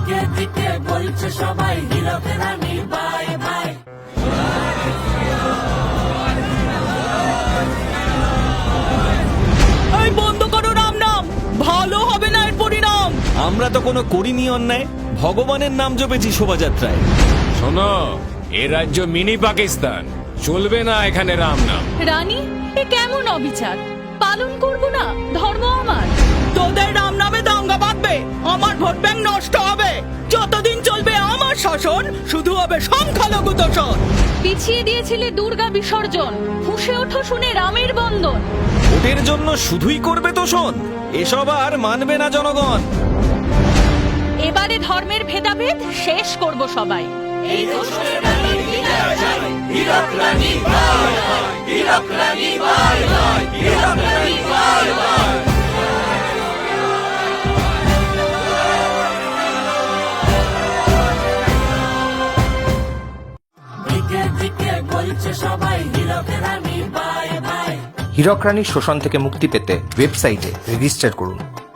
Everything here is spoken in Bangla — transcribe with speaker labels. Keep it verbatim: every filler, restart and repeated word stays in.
Speaker 1: দিকে দিকে বলছে সবাই হীরক রানী বাই বাই।
Speaker 2: এই বন্ধ করো রাম নাম, ভালো হবে না এর পরিণাম।
Speaker 3: আমরা তো কোনো করিনি অন্যায়, ভগবানের নাম জপেছি শোভাযাত্রায়।
Speaker 4: শোনো, এ রাজ্য মিনি পাকিস্তান, চলবে না এখানে রাম নাম।
Speaker 5: রানী, এ কেমন অবিচার? পালন করব না ধর্ম আমার।
Speaker 2: তোদের রাম নামে দাঙ্গা বাঁধবে, আমার ভোট ব্যাংক নষ্ট হবে। যতদিন চলবে আমার শাসন, শুধু হবে সংখ্যালঘু দোষণ।
Speaker 5: পিছিয়ে দিয়েছিলে দুর্গা বিসর্জন, ফুঁসে ওঠো শুনে রামের বন্দন।
Speaker 3: ভোটের জন্য শুধুই করবে তোষণ, এসব আর মানবে না জনগণ।
Speaker 5: এবারে ধর্মের ভেদাভেদ শেষ করব সবাই।
Speaker 1: এই দোষরের রানী বিদায় চাই, হীরক রানী বাই বাই, হীরক রানী বাই বাই, হীরক রানী বাই বাই। দিকে দিকে বলছে সবাই হীরক রানী বাই বাই।
Speaker 6: হীরক রানীর শোষণ থেকে মুক্তি পেতে ওয়েবসাইটে রেজিস্টার করুন।